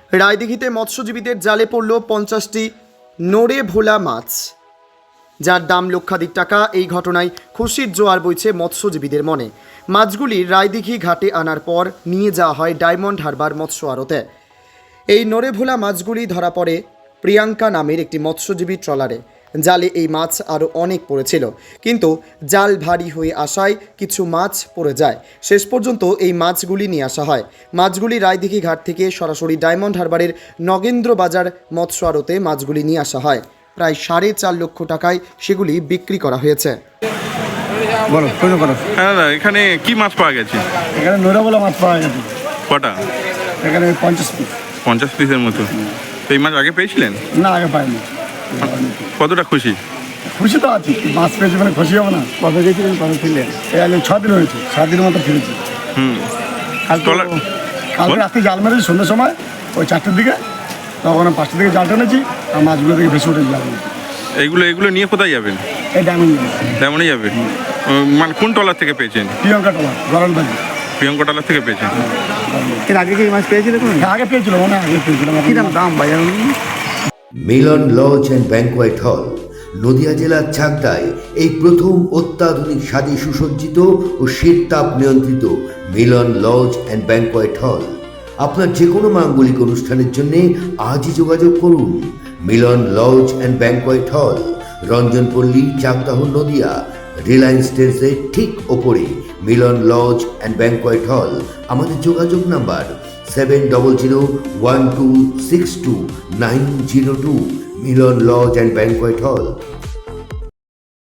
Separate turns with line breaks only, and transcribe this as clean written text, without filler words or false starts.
রায়দিঘিতে মৎস্যজীবীদের জালে পড়ল 50টি নড়ে ভোলা মাছ, যার দাম লক্ষাধিক টাকা। এই ঘটনায় খুশির জোয়ার বইছে মৎস্যজীবীদের মনে। মাছগুলি রায়দিঘি ঘাটে আনার পর নিয়ে যাওয়া হয় ডায়মন্ড হারবার মৎস্য আড়তে। এই নড়ে ভোলা মাছগুলি ধরা পড়ে প্রিয়াঙ্কা নামের একটি মৎস্যজীবী ট্রলারে। জালে এই মাছ আরও অনেক পড়েছিল, কিন্তু জাল ভারী হয়ে আসায় কিছু মাছ পড়ে যায়। শেষ পর্যন্ত এই মাছগুলি নিয়ে আসা হয়। মাছগুলি রায়দিঘি ঘাট থেকে সরাসরি ডায়মন্ড হারবারের নগেন্দ্র বাজার মৎস্য আড়তে মাছগুলি নিয়ে আসা হয়। প্রায় 4.5 লক্ষ টাকায় সেগুলি বিক্রি করা হয়েছে।
বলো প্রশ্ন করো।
হ্যাঁ দাদা, এখানে কি মাছ পাওয়া গেছে?
এখানে নৈরাবলা মাছ পাওয়া গেছে।
কটা?
এখানে 50 পিস।
50 পিসের মতো। তো এই মাছ আগে পেয়েছিলেন?
না, আগে পাইনি।
কতটা খুশি?
খুশি তো আছি, মাছ পেয়েছি মানে খুশি হবে না। কবে গেছিলেন, কবে ফিরলেন? এই আগে 6 দিন হয়েছে, 7 দিনের মতো ফিরেছি। কালকে রাত্রে জাল মেরেছি সন্ধ্যের সময়, ওই 4টের দিকে। তখন 5টার দিকে জাল টেনেছি, আর মাছগুলো থেকে ভেসে উঠেছি জাল।
এগুলো নিয়ে কোথায় যাবেন?
এই
ডায়মন্ডে যাবেন? মানে কোন ট্রলার থেকে পেয়েছেন?
প্রিয়ঙ্কা টলার, গরলবাজি।
প্রিয়ঙ্কা ট্রলার থেকে পেয়েছেন?
এর আগে কি মাছ পেয়েছিল?
আগে পেয়েছিল, মনে হয় আগে পেয়েছিলাম।
কি দাম ভাই?
মিলন লজ অ্যান্ড ব্যাংকোয়েট হল, নদিয়া জেলার চাকদায় এই প্রথম অত্যাধুনিক স্বাদে সুসজ্জিত ও শীততাপ নিয়ন্ত্রিত মিলন লজ অ্যান্ড ব্যাংকোয়েট হল। আপনার যে কোনো মাঙ্গলিক অনুষ্ঠানের জন্য আজই যোগাযোগ করুন। মিলন লজ অ্যান্ড ব্যাংকোয়েট হল, রঞ্জনপল্লী, চাকদাহ, নদিয়া। রিলায়েন্স ট্রেন্ডসের ঠিক ওপরে মিলন লজ অ্যান্ড ব্যাংকোয়েট হল। আমাদের যোগাযোগ number 7001262902। Milan lodge and banquet হল।